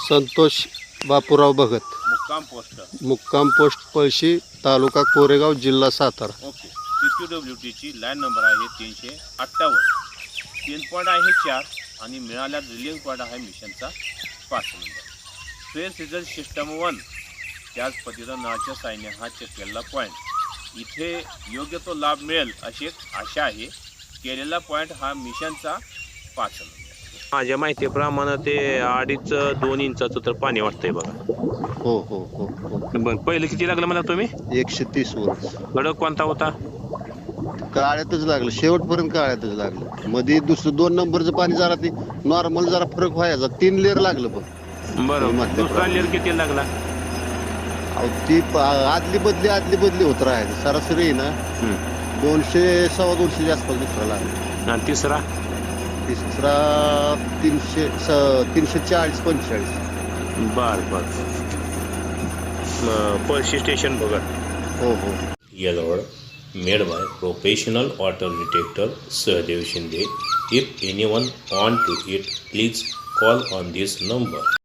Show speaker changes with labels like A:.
A: संतोष बापूराव भगत, मुक्काम पोस्ट पळशी, तालुका कोरेगाव, जिल्हा सातारा.
B: ओके. CQWTची लाईन नंबर आहे 358. 3 पॉईंट आहे 4 आणि मिळाल्या ड्रिलिंग पॉईंट आहे मिशनचा 5 नंबर. स्पेस रिझल्ट सिस्टम 1 त्याच पद्धतीनं नळाच्या साईने हा चेक केलेला पॉईंट इथे योग्य तो लाभ मिळेल अशी एक आशा आहे. केलेला पॉईंट हा मिशनचा 5 नंबर. माझ्या माहितीप्रमाणे ते 2.5-2 इंचाचं तर पाणी वाटतंय बघा.
A: हो हो हो हो.
B: बरं, पहिलं किती लागलं मला तुम्ही?
A: 130 वर.
B: खडक कोणता होता?
A: काळ्यातच लागलं, शेवटपर्यंत काळ्यातच लागलं. मध्ये दुसरं 2 नंबरचं पाणी जरा ते नॉर्मल जरा फरक व्हायचा. 3 लेअर लागलं बघ.
B: बरं, दुसरा लेअर किती लागला?
A: ती आदली बदली होत राहायचं. सरासरी आहे ना 200-250 आसपास दुसरा लागला.
B: आणि तिसरा
A: 340-45.
B: बर. पळशी स्टेशन बघा.
A: हो हो.
B: Yellow made by professional water detector Sahadev Shinde. If anyone want to it, please call on this number.